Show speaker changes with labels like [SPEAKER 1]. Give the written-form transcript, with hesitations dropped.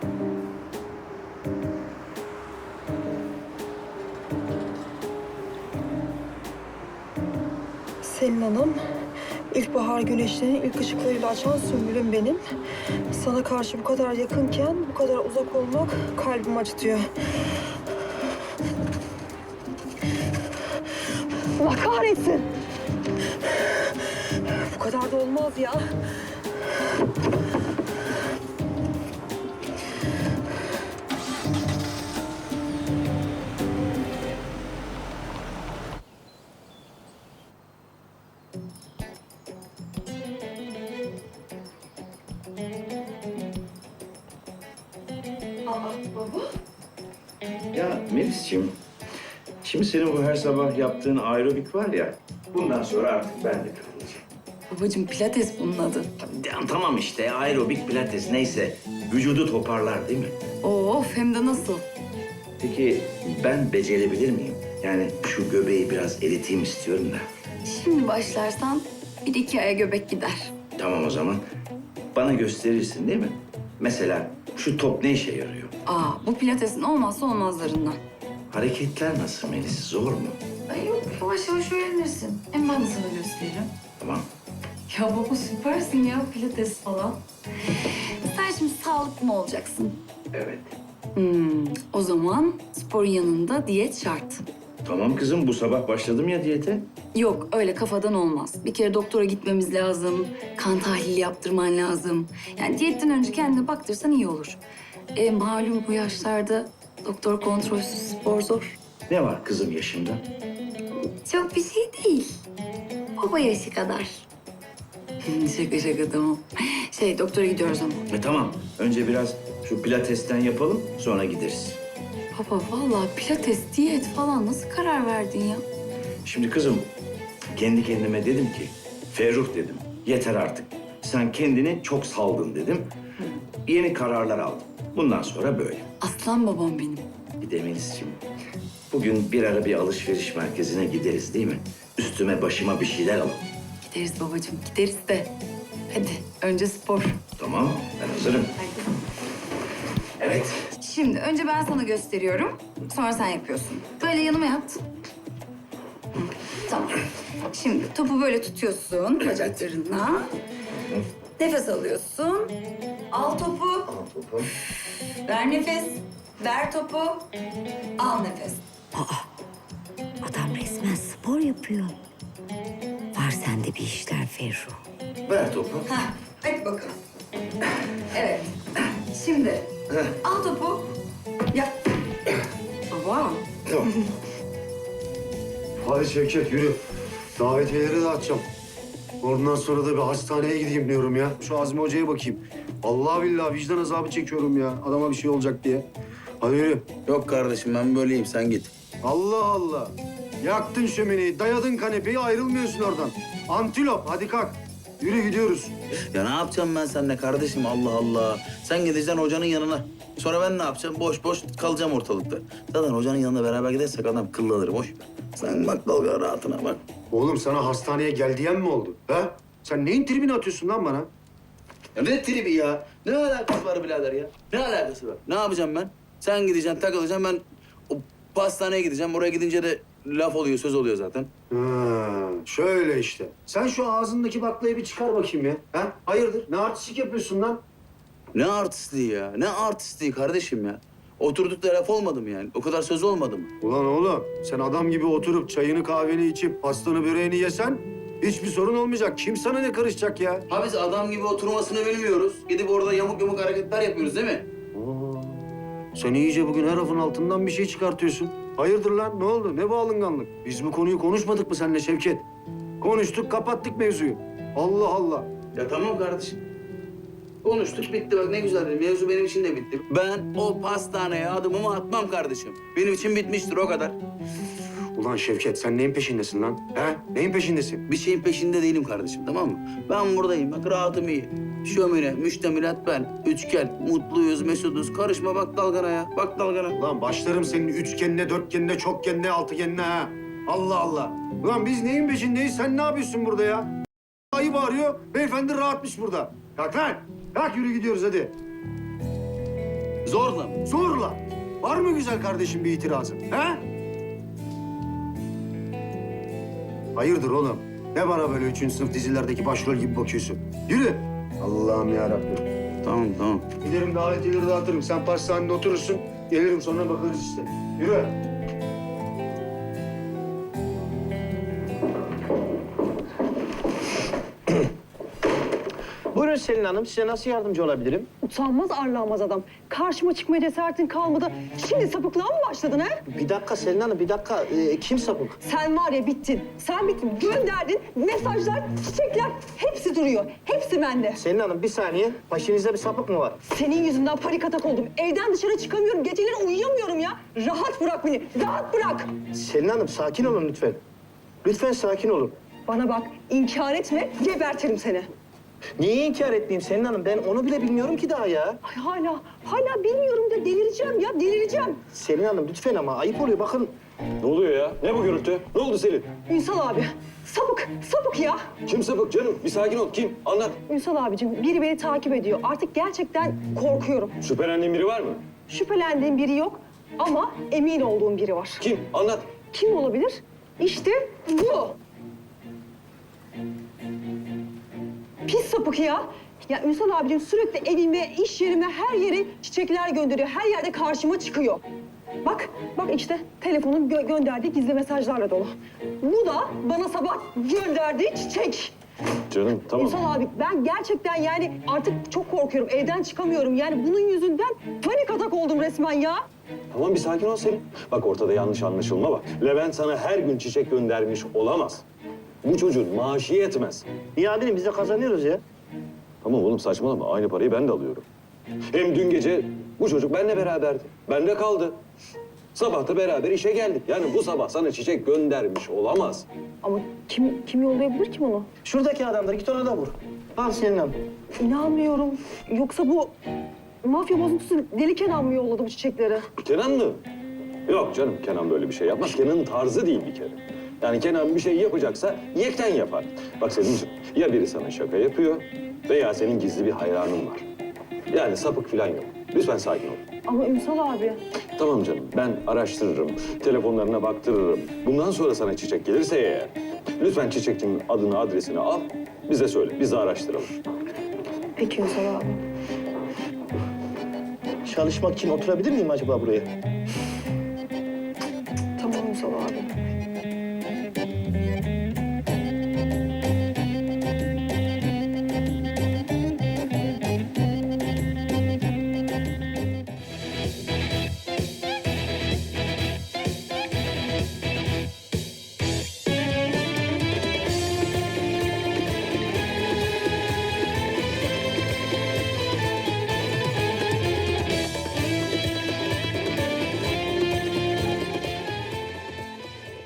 [SPEAKER 1] Selin Hanım, ilkbahar güneşlerinin ilk ışıklarıyla açan sümbülüm benim. Sana karşı bu kadar yakınken bu kadar uzak olmak kalbimi acıtıyor. Allah kahretsin! Bu kadar da olmaz ya. Baba?
[SPEAKER 2] Ya Melis'ciğim, şimdi senin bu her sabah yaptığın aerobik var ya, bundan sonra artık ben de katılacağım.
[SPEAKER 3] Babacığım pilates bunun adı.
[SPEAKER 2] Ya, tamam işte, aerobik pilates neyse, vücudu toparlar değil mi?
[SPEAKER 3] Of hem de nasıl?
[SPEAKER 2] Peki ben becerebilir miyim? Yani şu göbeği biraz eriteyim istiyorum da.
[SPEAKER 3] Şimdi başlarsan 1-2 aya göbek gider.
[SPEAKER 2] Tamam o zaman, bana gösterirsin değil mi? Mesela şu top ne işe yarıyor?
[SPEAKER 3] Bu pilatesin olmazsa olmazlarından.
[SPEAKER 2] Hareketler nasıl Melis, zor mu?
[SPEAKER 3] Ay yok yavaş yavaş öğrenirsin. Hem ben de sana gösteririm.
[SPEAKER 2] Tamam.
[SPEAKER 3] Ya baba süpersin ya pilates falan. Sen şimdi sağlıklı mı olacaksın?
[SPEAKER 2] Evet.
[SPEAKER 3] O zaman sporun yanında diyet şart.
[SPEAKER 2] Tamam kızım, bu sabah başladım ya diyete.
[SPEAKER 3] Yok öyle kafadan olmaz. Bir kere doktora gitmemiz lazım. Kan tahlili yaptırman lazım. Yani diyetten önce kendine baktırsan iyi olur. Malum bu yaşlarda doktor kontrolsüz spor zor.
[SPEAKER 2] Ne var kızım yaşımda?
[SPEAKER 3] Çok bir şey değil. Baba yaşı kadar. Şaka şaka tamam. Doktora gidiyoruz ama.
[SPEAKER 2] Tamam, önce biraz şu pilatesten yapalım, sonra gideriz.
[SPEAKER 3] Baba vallahi pilates, diyet falan nasıl karar verdin ya?
[SPEAKER 2] Şimdi kızım, kendi kendime dedim ki, Ferruh dedim, yeter artık. Sen kendini çok saldın dedim. Yeni kararlar aldım. Bundan sonra böyle.
[SPEAKER 3] Aslan babam benim.
[SPEAKER 2] Bir de Melis'ciğim, bugün bir ara bir alışveriş merkezine gideriz değil mi? Üstüme başıma bir şeyler alalım.
[SPEAKER 3] Gideriz babacığım gideriz de. Hadi önce spor.
[SPEAKER 2] Tamam, ben hazırım.
[SPEAKER 3] Haydi.
[SPEAKER 2] Evet.
[SPEAKER 3] Şimdi önce ben sana gösteriyorum. Sonra sen yapıyorsun. Böyle yanıma yat. Hı, tamam. Şimdi topu böyle tutuyorsun bacaklarına. Nefes alıyorsun. Al topu. Ver nefes. Ver topu. Al nefes.
[SPEAKER 4] Adam resmen spor yapıyor. Var sende bir işler Ferruh.
[SPEAKER 2] Ver topu.
[SPEAKER 3] Hah, hadi bakalım. Evet. Şimdi al topu. Yap. Baba.
[SPEAKER 2] Tamam.
[SPEAKER 5] Hadi Şevket yürü. Davetiyeleri dağıtacağım. Ondan sonra da bir hastaneye gideyim diyorum ya. Şu Azmi Hoca'ya bakayım. Vallahi billahi vicdan azabı çekiyorum ya. Adama bir şey olacak diye. Hadi yürü.
[SPEAKER 6] Yok kardeşim ben böyleyim sen git.
[SPEAKER 5] Allah Allah. Yaktın şömineyi, dayadın kanepeyi, ayrılmıyorsun oradan. Antilop, hadi kalk. Yürü gidiyoruz.
[SPEAKER 6] Ya ne yapacağım ben seninle kardeşim Allah Allah. Sen gideceksin hocanın yanına. Sonra ben ne yapacağım? Boş boş kalacağım ortalıkta. Zaten hocanın yanına beraber gidersek adam kıllanır boş ver. Sen bak dalga rahatına bak.
[SPEAKER 5] Oğlum sana hastaneye gel diyen mi oldu? Ha? Sen neyin tribini atıyorsun lan bana?
[SPEAKER 6] Ya ne tribi ya? Ne alakası var birader ya? Ne alakası var? Ne yapacağım ben? Sen gideceksin takılacaksın ben o pastaneye gideceğim. Oraya gidince de laf oluyor söz oluyor zaten.
[SPEAKER 5] Ha, şöyle işte. Sen şu ağzındaki baklayı bir çıkar bakayım ya. Ha? Hayırdır? Ne artistlik yapıyorsun lan?
[SPEAKER 6] Ne artistliği ya? Ne artistliği kardeşim ya? Oturduk da laf olmadı mı yani? O kadar söz olmadı mı?
[SPEAKER 5] Ulan oğlum, sen adam gibi oturup çayını kahveni içip pastanı böreğini yesen hiçbir sorun olmayacak. Kim sana ne karışacak ya?
[SPEAKER 6] Ha biz adam gibi oturmasını bilmiyoruz. Gidip orada yamuk yumuk hareketler yapıyoruz değil mi?
[SPEAKER 5] Sen iyice bugün her lafın altından bir şey çıkartıyorsun. Hayırdır lan? Ne oldu? Ne bu alınganlık? Biz bu konuyu konuşmadık mı seninle Şevket? Konuştuk, kapattık mevzuyu. Allah Allah.
[SPEAKER 6] Ya tamam kardeşim. Konuştuk bitti bak ne güzel dedi. Mevzu benim için de bitti. Ben o pastaneye adımımı atmam kardeşim. Benim için bitmiştir o kadar.
[SPEAKER 5] Ulan Şevket, sen neyin peşindesin lan? He? Neyin peşindesin?
[SPEAKER 6] Bir şeyin peşinde değilim kardeşim tamam mı? Ben buradayım bak rahatım iyi. Şömine, müştemilat ben. Üçgen, mutluyuz, mesuduz. Karışma bak dalgana ya. Bak dalgana.
[SPEAKER 5] Ulan başlarım senin üçgenine, dörtgenine, çokgenine, altıgenine ha. Allah Allah. Ulan biz neyin peşindeyiz? Sen ne yapıyorsun burada ya? Ayı bağırıyor, beyefendi rahatmış burada. Kalk lan. Kalk yürü gidiyoruz hadi.
[SPEAKER 6] Zorla mı?
[SPEAKER 5] Zorla. Var mı güzel kardeşim bir itirazın? He? Hayırdır oğlum? Ne bana böyle 3. sınıf dizilerdeki başrol gibi bakıyorsun? Yürü. Allah'ım yarabbim.
[SPEAKER 6] Tamam.
[SPEAKER 5] Giderim davetiyeleri dağıtırım. Sen pastanede oturursun. Gelirim sonra bakarız işte. Yürü.
[SPEAKER 7] Buyurun Selin Hanım, size nasıl yardımcı olabilirim?
[SPEAKER 1] Utanmaz arlanmaz adam. Karşıma çıkmaya cesaretin kalmadı. Şimdi sapıklığa mı başladın ha?
[SPEAKER 7] Bir dakika Selin Hanım, bir dakika. Kim sapık?
[SPEAKER 1] Sen var ya bittin. Sen bittin. Gönderdin. Mesajlar, çiçekler hepsi duruyor. Hepsi bende.
[SPEAKER 7] Selin Hanım bir saniye. Başınızda bir sapık mı var?
[SPEAKER 1] Senin yüzünden panik atak oldum. Evden dışarı çıkamıyorum. Geceleri uyuyamıyorum ya. Rahat bırak beni. Rahat bırak.
[SPEAKER 7] Selin Hanım sakin olun lütfen. Lütfen sakin olun.
[SPEAKER 1] Bana bak. İnkar etme. Gebertirim seni.
[SPEAKER 7] Niye inkar etmeyeyim Selin Hanım? Ben onu bile bilmiyorum ki daha ya.
[SPEAKER 1] Ay hala bilmiyorum da delireceğim ya. Delireceğim.
[SPEAKER 7] Selin Hanım lütfen ama ayıp oluyor bakın.
[SPEAKER 8] Ne oluyor ya? Ne bu gürültü? Ne oldu Selin?
[SPEAKER 1] Ünsal abi. Sapık ya.
[SPEAKER 8] Kim sapık canım? Bir sakin ol. Kim? Anlat.
[SPEAKER 1] Ünsal abicim biri beni takip ediyor. Artık gerçekten korkuyorum.
[SPEAKER 8] Şüphelendiğin biri var mı?
[SPEAKER 1] Şüphelendiğim biri yok ama emin olduğum biri var.
[SPEAKER 8] Kim? Anlat.
[SPEAKER 1] Kim olabilir? İşte bu. Pis sapık ya. Ya Ünsal abicim sürekli evime, iş yerime, her yere çiçekler gönderiyor. Her yerde karşıma çıkıyor. Bak işte telefonun gönderdiği gizli mesajlarla dolu. Bu da bana sabah gönderdiği çiçek.
[SPEAKER 8] Canım tamam.
[SPEAKER 1] Ünsal abi ben gerçekten yani artık çok korkuyorum. Evden çıkamıyorum. Yani bunun yüzünden panik atak oldum resmen ya.
[SPEAKER 8] Tamam bir sakin ol Selin. Bak ortada yanlış anlaşılma var. Levent sana her gün çiçek göndermiş olamaz. Bu çocuğun maaşı yetmez.
[SPEAKER 7] İyi amirim biz de kazanıyoruz ya.
[SPEAKER 8] Tamam oğlum saçmalama. Aynı parayı ben de alıyorum. Hem dün gece bu çocuk benimle beraberdi. Bende kaldı. Sabah da beraber işe geldik. Yani bu sabah sana çiçek göndermiş olamaz.
[SPEAKER 1] Ama kim yollayabilir ki bunu?
[SPEAKER 7] Şuradaki adamdır, git ona da vur. Al Selin Hanım.
[SPEAKER 1] İnanmıyorum. Yoksa bu mafya bozuntusu Deli Kenan mı yolladı bu çiçekleri?
[SPEAKER 8] Kenan mı? Yok canım Kenan böyle bir şey yapmaz. Kenan'ın tarzı değil bir kere. Yani Kenan bir şey yapacaksa yekten yapar. Bak Selim'ciğim ya biri sana şaka yapıyor veya senin gizli bir hayranın var. Yani sapık falan yok. Lütfen sakin ol.
[SPEAKER 1] Ama Ünsal abi.
[SPEAKER 8] Tamam canım ben araştırırım, telefonlarına baktırırım. Bundan sonra sana çiçek gelirse eğer lütfen çiçekçinin adını adresini al bize söyle. Biz de araştıralım.
[SPEAKER 1] Peki Ünsal abi.
[SPEAKER 7] Çalışmak için oturabilir miyim acaba buraya?